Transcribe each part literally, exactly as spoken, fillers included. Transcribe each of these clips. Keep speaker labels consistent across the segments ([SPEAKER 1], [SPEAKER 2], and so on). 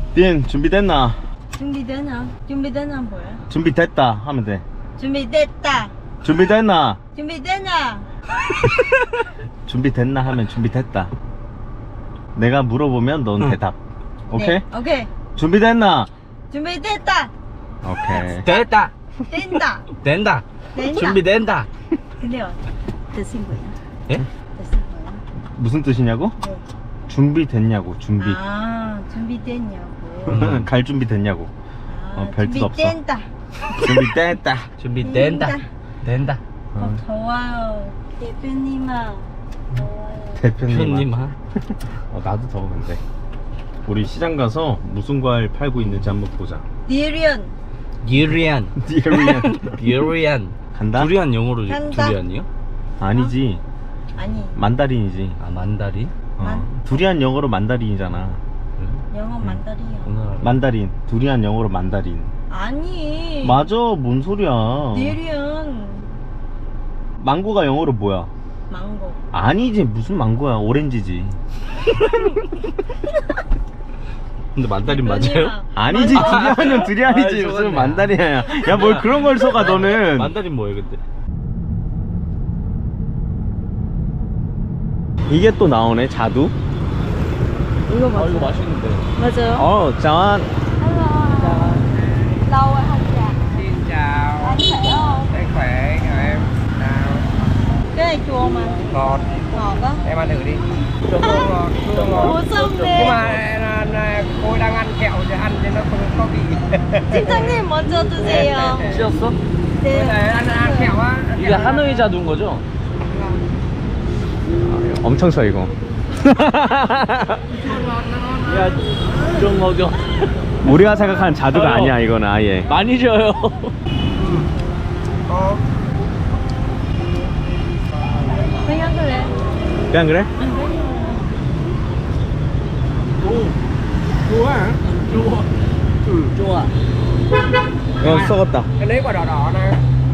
[SPEAKER 1] 딘 준비됐나?
[SPEAKER 2] 준비되나? 준비되나 뭐야?
[SPEAKER 1] 준비됐다 하면 돼.
[SPEAKER 2] 준비됐다.
[SPEAKER 1] 준비됐나?
[SPEAKER 2] 준비되나?
[SPEAKER 1] 준비됐나 하면 준비됐다. 내가 물어보면 넌
[SPEAKER 3] 응.
[SPEAKER 1] 대답. 오케이?
[SPEAKER 2] 네, 오케이.
[SPEAKER 1] 준비됐나?
[SPEAKER 2] 준비됐다.
[SPEAKER 1] 오케이.
[SPEAKER 3] 됐다.
[SPEAKER 2] 된다.
[SPEAKER 3] 된다.
[SPEAKER 2] 된다.
[SPEAKER 3] 준비된다.
[SPEAKER 2] 근데요. 뜻이 뭐야?
[SPEAKER 3] 예?
[SPEAKER 2] 뜻이 뭐야?
[SPEAKER 1] 무슨 뜻이냐고?
[SPEAKER 2] 네.
[SPEAKER 1] 준비됐냐고. 준비.
[SPEAKER 2] 아, 준비됐냐고.
[SPEAKER 3] 음.
[SPEAKER 1] 갈 준비 됐냐고.
[SPEAKER 2] 아,
[SPEAKER 1] 어, 별 뜻 없어.
[SPEAKER 2] 준비된다.
[SPEAKER 1] 준비됐다.
[SPEAKER 3] 준비된다. 된다.
[SPEAKER 2] 어,
[SPEAKER 1] 어,
[SPEAKER 2] 더워요. 대표님아. 더워요.
[SPEAKER 1] 대표님.
[SPEAKER 3] 형님 하.
[SPEAKER 1] 어, 나도 더워 근데. 우리 시장 가서 무슨 과일 팔고 있는지 한번 보자.
[SPEAKER 2] 디리언.
[SPEAKER 3] 유리안.
[SPEAKER 1] 디리안.
[SPEAKER 3] 유리안.
[SPEAKER 1] 간다?
[SPEAKER 3] 두리안 영어로
[SPEAKER 2] 간다.
[SPEAKER 3] 두리안이요?
[SPEAKER 1] 아니지.
[SPEAKER 2] 아니,
[SPEAKER 1] 만다린이지.
[SPEAKER 3] 아 만다린?
[SPEAKER 1] 어.
[SPEAKER 2] 만-
[SPEAKER 1] 두리안 영어로 만다린이잖아.
[SPEAKER 2] 영어 만다리야.
[SPEAKER 3] 오늘
[SPEAKER 1] 만다린. 두리안 영어로 만다린.
[SPEAKER 2] 아니.
[SPEAKER 1] 맞아. 뭔 소리야.
[SPEAKER 2] 디리언.
[SPEAKER 1] 망고가 영어로 뭐야?
[SPEAKER 2] 망고.
[SPEAKER 1] 아니지. 무슨 망고야. 오렌지지.
[SPEAKER 3] 근데 만다린
[SPEAKER 2] 대표님아.
[SPEAKER 3] 맞아요?
[SPEAKER 1] 아니지.
[SPEAKER 2] 만-
[SPEAKER 1] 두리안은 두리안이지.
[SPEAKER 3] 아이,
[SPEAKER 1] 무슨
[SPEAKER 3] 속았네.
[SPEAKER 1] 만다린이야. 야, 뭘 그런 걸 속아 너는.
[SPEAKER 3] 만다린 뭐예요 근데?
[SPEAKER 1] 이게 또 나오네. 자두.
[SPEAKER 2] 이거
[SPEAKER 3] 아
[SPEAKER 2] 맞아.
[SPEAKER 3] 이거 맛있는데.
[SPEAKER 2] 맞아요.
[SPEAKER 1] 어, 짠.
[SPEAKER 2] Lâu rồi không dạ.
[SPEAKER 4] Xin chào.
[SPEAKER 2] Anh khỏe không?
[SPEAKER 4] Đây khỏe, chào em. Nào,
[SPEAKER 2] Cái này chua mà.
[SPEAKER 4] ngọt.
[SPEAKER 2] Ngọt á.
[SPEAKER 4] Em ăn thử đi. Chua ngọt, chua ngọt.
[SPEAKER 2] Ủa sao
[SPEAKER 4] Nhưng
[SPEAKER 2] nè?
[SPEAKER 4] mà à, à, cô đang ăn kẹo thì ăn thì nó không có vị.
[SPEAKER 2] 팀장님 먼저 드세요.
[SPEAKER 3] 씌었어?
[SPEAKER 4] Bây giờ
[SPEAKER 2] 네.
[SPEAKER 4] ăn ăn kẹo á. ăn
[SPEAKER 3] 이게
[SPEAKER 4] kẹo á.
[SPEAKER 3] 하노이 자두인 거죠?
[SPEAKER 1] 엄청 써 이거.
[SPEAKER 3] 야좀 먹여.
[SPEAKER 1] 우리가 생각하는 자두가
[SPEAKER 3] 저요.
[SPEAKER 1] 아니야 이거는 아예.
[SPEAKER 3] 많이 줘요.
[SPEAKER 4] Có.
[SPEAKER 2] 그냥 그래.
[SPEAKER 1] 그냥 그래?
[SPEAKER 4] Chua hả?
[SPEAKER 3] 좋아. 좋아.
[SPEAKER 1] 어 썩었다.
[SPEAKER 4] Cái đấy quả đỏ đỏ này.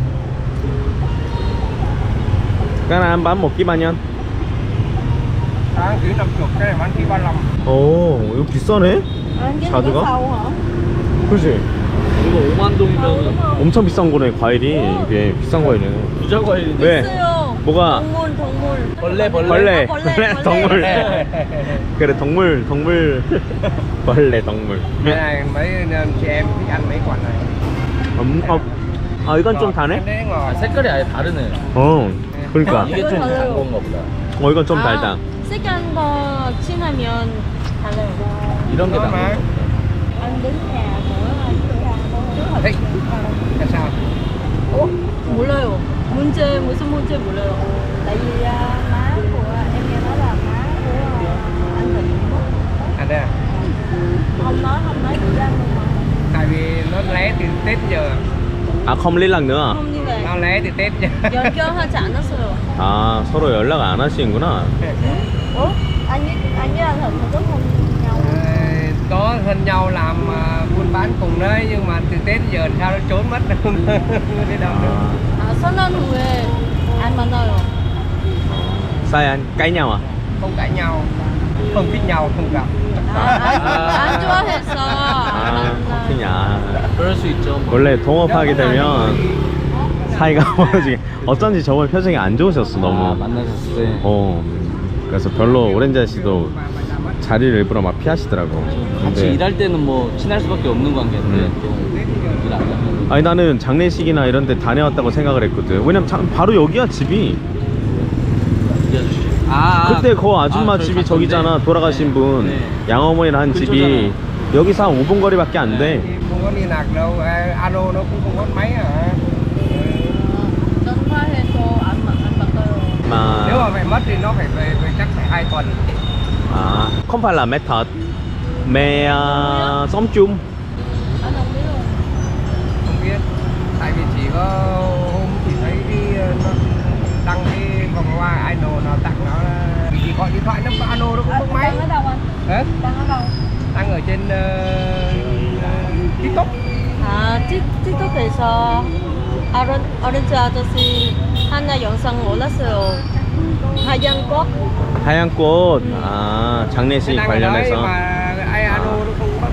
[SPEAKER 1] cái này ăn bán một ký bao nhiêu?
[SPEAKER 4] Tháng dưới năm chục, cái này bán ký ba mươi lăm.
[SPEAKER 1] 오 이거 비싸네?
[SPEAKER 2] Ăn cái
[SPEAKER 1] 자두가?
[SPEAKER 2] có sâu hả?
[SPEAKER 1] 그렇지.
[SPEAKER 3] 이거 오만 동이면
[SPEAKER 1] 엄청 비싼 거네 과일이. 이게 비싼 과일이네.
[SPEAKER 3] 부자 과일인데.
[SPEAKER 1] 왜?
[SPEAKER 2] 있어요.
[SPEAKER 1] 뭐가?
[SPEAKER 2] 동물 동물.
[SPEAKER 3] 벌레 벌레.
[SPEAKER 1] 벌레.
[SPEAKER 2] 아, 벌레,
[SPEAKER 1] 벌레
[SPEAKER 2] 벌레.
[SPEAKER 1] 동물. 그래 동물 동물. 벌레 동물.
[SPEAKER 4] Cái này mấy chị em thích ăn mấy quả này.
[SPEAKER 1] 음, 어, 아 이건 좀
[SPEAKER 4] Cái
[SPEAKER 1] 다네?
[SPEAKER 4] đấy ngọt.
[SPEAKER 3] 아, 색깔이 아예 다르네.
[SPEAKER 1] 어 그러니까
[SPEAKER 3] 이게 좀 단 건가 보다.
[SPEAKER 1] 어 이건 좀
[SPEAKER 2] 아,
[SPEAKER 1] 달다.
[SPEAKER 2] 색깔 더 진하면 달라요.
[SPEAKER 3] 이런 게
[SPEAKER 4] Ngon
[SPEAKER 3] 단
[SPEAKER 4] mà.
[SPEAKER 3] 건가 보다.
[SPEAKER 2] Anh đến nhà của
[SPEAKER 4] Thích. Tại sao?
[SPEAKER 2] 어? 몰라요. 문제 무슨 문제 몰라요. Tại vì má của em nghe nói là má của anh Thịnh mất.
[SPEAKER 4] À đây à?
[SPEAKER 2] Không nói không nói gì ra luôn mà.
[SPEAKER 4] Tại vì nó lé từ Tết giờ.
[SPEAKER 1] 아 không liên lạc nữa.
[SPEAKER 2] không như vậy.
[SPEAKER 4] Nó lé từ Tết giờ.
[SPEAKER 2] 연결하지 않았어요.
[SPEAKER 1] 아 서로 연락 안 하시는구나.
[SPEAKER 2] ủa? Anh với anh với anh Thịnh có thân nhau.
[SPEAKER 4] Ờ, có thân nhau làm à, buôn bán cùng đấy nhưng mà từ Tết giờ sao nó trốn mất không đi đâu nữa.
[SPEAKER 2] 아 설날 후에 안 만나요.
[SPEAKER 1] sao anh cãi nhau à?
[SPEAKER 4] Không cãi nhau, không thích nhau, không gặp.
[SPEAKER 2] 아, 안, 안 좋아해서 안
[SPEAKER 1] 아
[SPEAKER 2] 만나요.
[SPEAKER 1] 그냥
[SPEAKER 3] 그럴 수 있죠. 뭐.
[SPEAKER 1] 원래 동업하게 되면 사이가 멀어지게. 어쩐지 저번 표정이 안 좋으셨어
[SPEAKER 3] 아,
[SPEAKER 1] 너무.
[SPEAKER 3] 만나셨을 때.
[SPEAKER 1] 어 그래서 별로 오렌지 아저씨도 자리를 일부러 막 피하시더라고.
[SPEAKER 3] 같이
[SPEAKER 1] 근데
[SPEAKER 3] 일할 때는 뭐 친할 수밖에 없는 관계인데
[SPEAKER 1] 음.
[SPEAKER 3] 또일안 하면
[SPEAKER 1] 아니 나는 장례식이나 이런 데 다녀왔다고 생각을 했거든. 왜냐면 자, 바로 여기야 집이.
[SPEAKER 3] 이 아저씨. 아,
[SPEAKER 1] 그때 그 아줌마
[SPEAKER 3] 아, 저희
[SPEAKER 1] 집이
[SPEAKER 3] 갔던데.
[SPEAKER 1] 저기잖아. 돌아가신 분
[SPEAKER 3] 네.
[SPEAKER 1] 양어머니랑 한 집이
[SPEAKER 3] 근처잖아요.
[SPEAKER 1] 여기서 한 오 분 거리밖에 안 돼.
[SPEAKER 4] Không có liên lạc đâu, à, alo nó cũng không có máy hả?
[SPEAKER 2] 전화해서 안, 마- 안 바꿔요.
[SPEAKER 4] Nếu mà
[SPEAKER 1] 마,
[SPEAKER 4] phải mất thì nó phải về, về chắc phải hai tuần.
[SPEAKER 1] 아, không phải là mẹ thật, mẹ uh, sống chung.
[SPEAKER 2] Anh không biết luôn.
[SPEAKER 4] Không biết. Tại vì chỉ có hôm chỉ thấy cái nó đăng cái vòng hoa idol nào tặng nó là chỉ gọi điện thoại nó alo nó cũng không máy.
[SPEAKER 2] Đang ở đâu anh?
[SPEAKER 4] Hả?
[SPEAKER 2] Đang ở đâu?
[SPEAKER 4] Đang ở trên uh, TikTok.
[SPEAKER 2] 아, 틱, 틱톡에서 아른, 어른지 아저씨 하나 영상 올랐어요. 하얀 꽃.
[SPEAKER 1] 하얀 꽃, 아 장례식
[SPEAKER 4] Đang ở đấy
[SPEAKER 1] 관련해서.
[SPEAKER 4] mà ai alo nó không bắt máy.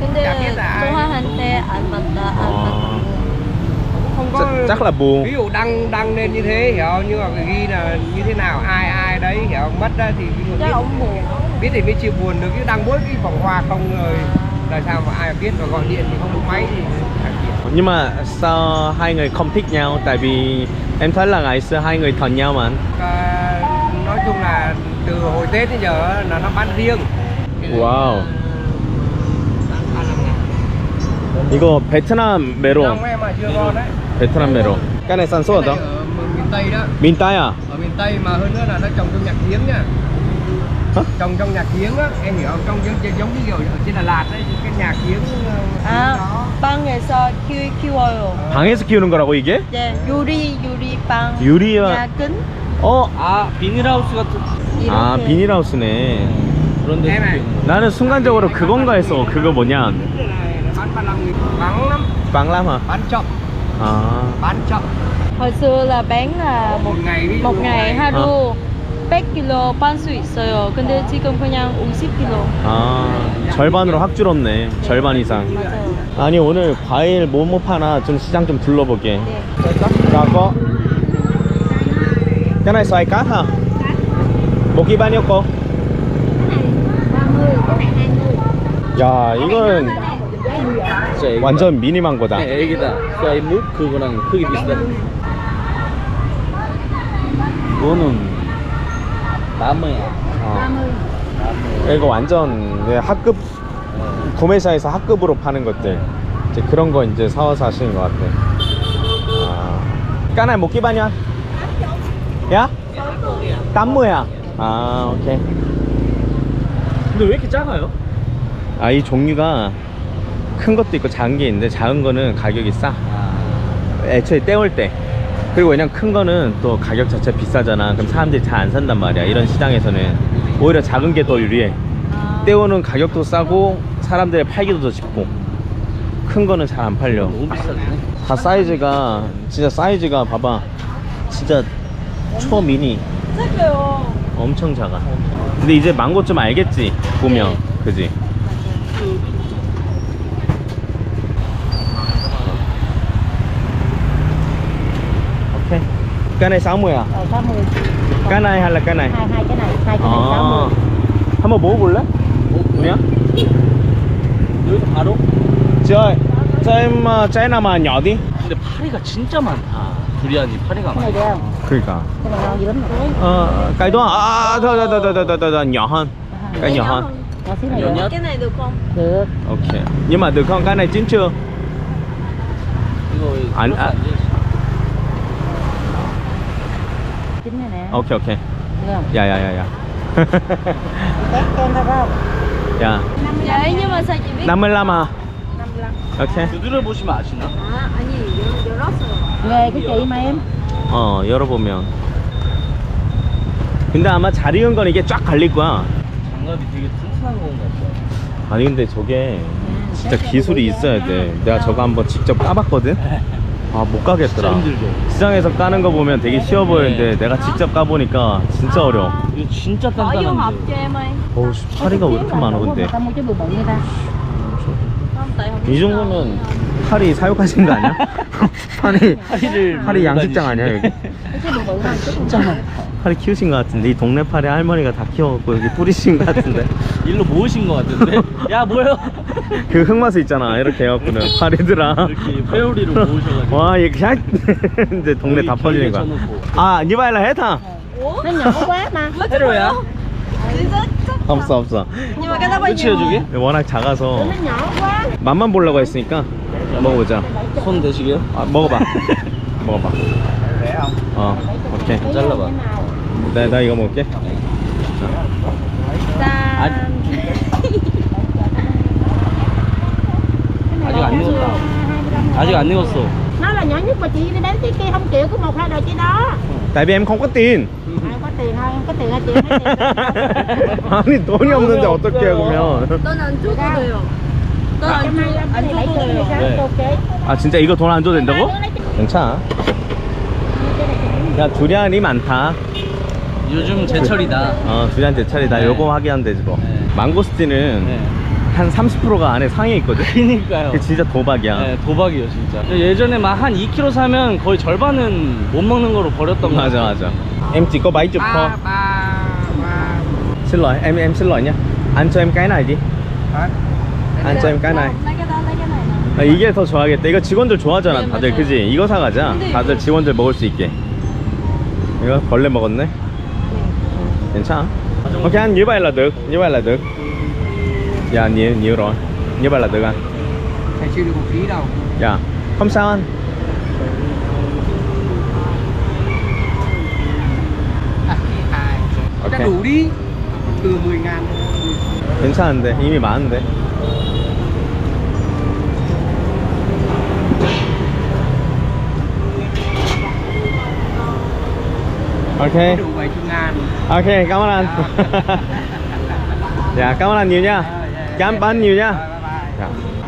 [SPEAKER 2] 근데
[SPEAKER 4] Chả biết là ai.
[SPEAKER 2] 좋아한테 안 맞다 안
[SPEAKER 1] 아.
[SPEAKER 2] 맞다.
[SPEAKER 4] Không có.
[SPEAKER 1] chắc, chắc là buồn.
[SPEAKER 4] Ví dụ đăng đăng lên như thế hiểu không? Nhưng mà phải ghi là như thế nào, ai ai đấy hiểu không? Mất ra thì ví dụ
[SPEAKER 2] chắc
[SPEAKER 4] biết,
[SPEAKER 2] ông buồn.
[SPEAKER 4] biết thì mới chịu buồn được, chứ đăng mỗi cái vòng hoa không rồi là sao mà ai biết, và gọi điện thì không có máy thì chả biết.
[SPEAKER 1] Nhưng mà sao hai người không thích nhau? Tại vì em thấy là ngày xưa hai người thân nhau mà.
[SPEAKER 4] À, nói chung là từ hồi Tết đến giờ là nó bán riêng.
[SPEAKER 1] 와우.
[SPEAKER 4] À, làm ngàn.
[SPEAKER 1] 이거 베트남 메론.
[SPEAKER 4] Đông em mà chưa ngon đấy.
[SPEAKER 1] 베트남 메론. cái này sản xuất
[SPEAKER 4] Cái
[SPEAKER 1] ở
[SPEAKER 4] này
[SPEAKER 1] đâu?
[SPEAKER 4] ở miền Tây đó.
[SPEAKER 1] miền Tây à?
[SPEAKER 4] Ở miền Tây mà hơn nữa là nó trồng trong nhạc giếng nha.
[SPEAKER 1] Hả?
[SPEAKER 4] Trồng trong nhạc giếng á, em hiểu không? Trong giống giống như kiểu ở trên Đà Lạt đấy, cái nhạc giếng
[SPEAKER 2] 아
[SPEAKER 4] đó.
[SPEAKER 2] 빵에서 키, 키워요.
[SPEAKER 1] 방에서 키우는 거라고 이게?
[SPEAKER 2] 네 유리 유리 빵.
[SPEAKER 1] 유리와
[SPEAKER 2] 야근
[SPEAKER 1] 어?
[SPEAKER 3] 아 비닐하우스 같은
[SPEAKER 1] 아
[SPEAKER 2] 이렇게.
[SPEAKER 1] 비닐하우스네.
[SPEAKER 3] 그런 데
[SPEAKER 4] Em này.
[SPEAKER 1] 나는 순간적으로 그건가 했어. 그거 뭐냐?
[SPEAKER 4] Cái này nó bán ba mươi lăm nghìn, vắng lắm,
[SPEAKER 1] 빵람 hả?
[SPEAKER 4] bán chậm,
[SPEAKER 1] 아.
[SPEAKER 4] bán chậm.
[SPEAKER 2] hồi xưa là bán là một
[SPEAKER 4] Một ngày ví dụ
[SPEAKER 2] một ngày
[SPEAKER 4] hai-
[SPEAKER 2] 하루 백 킬로 빤 수 있어요. 근데 지금 그냥 오십 킬로.
[SPEAKER 1] 아 절반으로 확 줄었네. 절반 이상.
[SPEAKER 2] 맞아요.
[SPEAKER 1] 아니 오늘 과일 뭐뭐 파나 좀 시장 좀 둘러보게.
[SPEAKER 2] 네.
[SPEAKER 1] Rồi có. Cái này xoài cát hả? Một ký bao nhiêu cô? 야 이거는
[SPEAKER 3] 진짜 애기다.
[SPEAKER 1] 완전 미니 망고다.
[SPEAKER 3] 네, 애기다. 쏴이 묵 그거랑 크기 비슷해. 이거는 나무야.
[SPEAKER 1] 어.
[SPEAKER 3] 나무.
[SPEAKER 1] 이거 완전 그냥 학급 구매사에서 학급으로 파는 것들 이제 그런 거 이제 사와서 하시는 것 같아. 아. Cái này một ký bao nhiêu? 야? tám mươi à? 아 오케이.
[SPEAKER 3] 근데 왜 이렇게 작아요?
[SPEAKER 1] 아 이 종류가 큰 것도 있고 작은 게 있는데 작은 거는 가격이 싸.
[SPEAKER 3] 아,
[SPEAKER 1] 애초에 떼올 때. 그리고 왜냐면 큰 거는 또 가격 자체 비싸잖아. 그럼 사람들이 잘 안 산단 말이야. 이런 시장에서는 오히려 작은 게 더 유리해.
[SPEAKER 2] 아,
[SPEAKER 1] 떼오는 가격도 싸고 사람들의 팔기도 더 쉽고. 큰 거는 잘 안 팔려.
[SPEAKER 3] 너무 비싸네.
[SPEAKER 1] 다 사이즈가 진짜 사이즈가 봐봐. 진짜 초미니.
[SPEAKER 2] 작아요.
[SPEAKER 1] 엄청 작아. 근데 이제 망고 좀 알겠지 보면.
[SPEAKER 2] 네.
[SPEAKER 1] 그지? 오케이. Cái này sáu mươi à?
[SPEAKER 5] Ờ, sáu mươi.
[SPEAKER 1] Cái này hay là cái này?
[SPEAKER 5] Hai hai cái này, hai cái này sáu
[SPEAKER 1] 아,
[SPEAKER 5] mươi.
[SPEAKER 1] 한번 먹어볼래? 뭐냐?
[SPEAKER 3] 여기서 바로?
[SPEAKER 1] Chị ơi, cho em uh, trái nào mà nhỏ đi.
[SPEAKER 3] 근데 파리가 진짜 많다. 두리안이 파리가
[SPEAKER 5] Cái này
[SPEAKER 3] 많아.
[SPEAKER 5] được không?
[SPEAKER 1] 그러니까.
[SPEAKER 5] Cái này ngon dữ lắm rồi.
[SPEAKER 1] Ờ, cái đó à, thôi thôi thôi thôi thôi thôi thôi nhỏ hơn. Cái nhỏ hơn.
[SPEAKER 5] Nhỏ xíu này
[SPEAKER 3] Nhỏ
[SPEAKER 5] được.
[SPEAKER 3] nhất.
[SPEAKER 2] cái này được không?
[SPEAKER 5] Được.
[SPEAKER 1] Ok. Nhưng mà được không? Cái này chín chưa?
[SPEAKER 3] 이거
[SPEAKER 1] 안- 아.
[SPEAKER 5] Chín này nè.
[SPEAKER 1] Ok ok.
[SPEAKER 5] Được không?
[SPEAKER 1] Dạ dạ dạ dạ.
[SPEAKER 5] Test kem thôi phải không?
[SPEAKER 1] Dạ.
[SPEAKER 2] 네, nhưng mà sao chị biết?
[SPEAKER 1] năm mươi lăm à?
[SPEAKER 5] năm mươi lăm.
[SPEAKER 1] Ok.
[SPEAKER 3] 두드려 보시면 아시나?
[SPEAKER 2] 아, 아니 열- 열었어요.
[SPEAKER 5] Ghê cái chị mà em.
[SPEAKER 1] 어 열어보면. 근데 아마 잘 익은 건 이게 쫙 갈릴 거야.
[SPEAKER 3] 장갑이 되게 튼튼한 건 같아.
[SPEAKER 1] 아니 근데 저게 진짜 기술이 있어야 돼. 내가 저거 한번 직접 까봤거든. 아 못 가겠더라.
[SPEAKER 3] 진짜 힘들죠.
[SPEAKER 1] 시장에서 까는 거 보면 되게 쉬워 보이는데 내가 직접 까보니까 진짜 어려워.
[SPEAKER 3] 이거 진짜
[SPEAKER 2] Có vô hộp
[SPEAKER 3] 단단한데.
[SPEAKER 2] cho em ơi.
[SPEAKER 1] 어우 씨, 파리가 왜 이렇게 많아 근데.
[SPEAKER 5] Tao mua cái bự bự như ta.
[SPEAKER 2] Không, tại không
[SPEAKER 1] 이 정도면 파리 사육하신 거 아니야? 파리
[SPEAKER 3] 파리를
[SPEAKER 1] 파리 양식장 아니야 여기?
[SPEAKER 5] Cái bự bự thôi, chứ
[SPEAKER 3] 진짜 많다.
[SPEAKER 1] 파리 키우신 거 같은데 이 동네 파리 할머니가 다 키워갖고 여기 뿌리신 거 같은데.
[SPEAKER 3] 일로 모으신 것 같은데? 야 뭐예요?
[SPEAKER 1] 그 흑마스 있잖아 이렇게 해갖고는 파리들아.
[SPEAKER 3] 이렇게 회오리로 모으셔가지고.
[SPEAKER 1] 와 이게 그냥 이제 동네 다 퍼지는 거야. 아 니바일라 해타.
[SPEAKER 2] Ủa?
[SPEAKER 5] nó nhỏ quá mà.
[SPEAKER 3] 회로야?
[SPEAKER 2] Chị rất chắc.
[SPEAKER 1] 없어 없어.
[SPEAKER 2] Nhưng mà cái đó bao
[SPEAKER 3] 끝이에요
[SPEAKER 2] nhiêu?
[SPEAKER 3] 저게?
[SPEAKER 1] 워낙 작아서
[SPEAKER 5] Nó nhỏ quá.
[SPEAKER 1] 맛만 보려고 했으니까 먹어보자.
[SPEAKER 3] 손 대시게요?
[SPEAKER 1] 아, 먹어봐. 먹어봐.
[SPEAKER 4] Rẻ không?
[SPEAKER 1] 어 오케이.
[SPEAKER 3] 잘라봐.
[SPEAKER 1] 나, 나 이거 먹을게.
[SPEAKER 2] 짠.
[SPEAKER 3] 아직 안 익었다. 아직 안 익었어.
[SPEAKER 5] Nó là nhỏ nhất mà chị đi đến cái kia không chịu có một hai đời chị đó.
[SPEAKER 1] Tại vì em không có tiền.
[SPEAKER 5] Ai có tiền thôi, em có tiền hai chị mấy tiền.
[SPEAKER 1] 아니 돈이 없는데 어떻게 해 그러면.
[SPEAKER 2] 넌안 줘도 돼요. 넌안
[SPEAKER 5] Hôm nay
[SPEAKER 2] 줘,
[SPEAKER 5] anh
[SPEAKER 2] 안
[SPEAKER 5] lấy
[SPEAKER 2] 줘도
[SPEAKER 5] tiền
[SPEAKER 2] 돼요.
[SPEAKER 5] sao
[SPEAKER 3] 네.
[SPEAKER 5] ok.
[SPEAKER 1] 아 진짜 이거 돈 안 줘도 된다고? 괜찮아. 야 두리안이 많다.
[SPEAKER 3] 요즘 제철이다.
[SPEAKER 1] 어 두리안 제철이다.
[SPEAKER 3] 네.
[SPEAKER 1] 요거 확인하면 되지 뭐.
[SPEAKER 3] 네.
[SPEAKER 1] 망고스틴은
[SPEAKER 3] 네.
[SPEAKER 1] 한 삼십 퍼센트가 안에 상해 있거든.
[SPEAKER 3] 그니까요.
[SPEAKER 1] 그게 진짜 도박이야.
[SPEAKER 3] 네, 도박이에요 진짜. 예전에 막 한 이 킬로그램 사면 거의 절반은 못 먹는 거로 버렸던 거
[SPEAKER 1] 맞아
[SPEAKER 3] 같아요.
[SPEAKER 1] 맞아. Em chỉ có bảy chục thôi.
[SPEAKER 4] ba ba ba
[SPEAKER 1] Xin lỗi, em em xin lỗi nhé. Anh cho em cái này đi.
[SPEAKER 4] hả?
[SPEAKER 1] Anh cho em cái này.
[SPEAKER 2] lấy cái đó lấy cái này nè.
[SPEAKER 1] 아, 이게 더 좋아하겠다. 이거 직원들 좋아하잖아,
[SPEAKER 2] 네,
[SPEAKER 1] 다들.
[SPEAKER 2] 맞아요.
[SPEAKER 1] 그지? 이거 사가자.
[SPEAKER 2] 근데
[SPEAKER 1] 다들
[SPEAKER 2] 이거-
[SPEAKER 1] 직원들 먹을 수 있게. 이거 벌레 먹었네. 괜찮아. Ok anh, như vậy là được. Như vậy là được. Dạ, nhiều, nhiều rồi. Như vậy là được anh.
[SPEAKER 4] Thầy chưa được một ký đâu.
[SPEAKER 1] Dạ. Không sao anh.
[SPEAKER 4] À, hai.
[SPEAKER 1] Ok.
[SPEAKER 4] Đã đủ đi. Từ mười ngàn.
[SPEAKER 1] 괜찮은데. 이미 많은데. Ok.
[SPEAKER 4] Đủ bảy mươi ngàn.
[SPEAKER 1] Ok, cảm ơn anh. Dạ, cảm ơn anh nhiều nha. Cảm ơn anh nhiều nha.
[SPEAKER 4] Bye bye.
[SPEAKER 1] Dạ.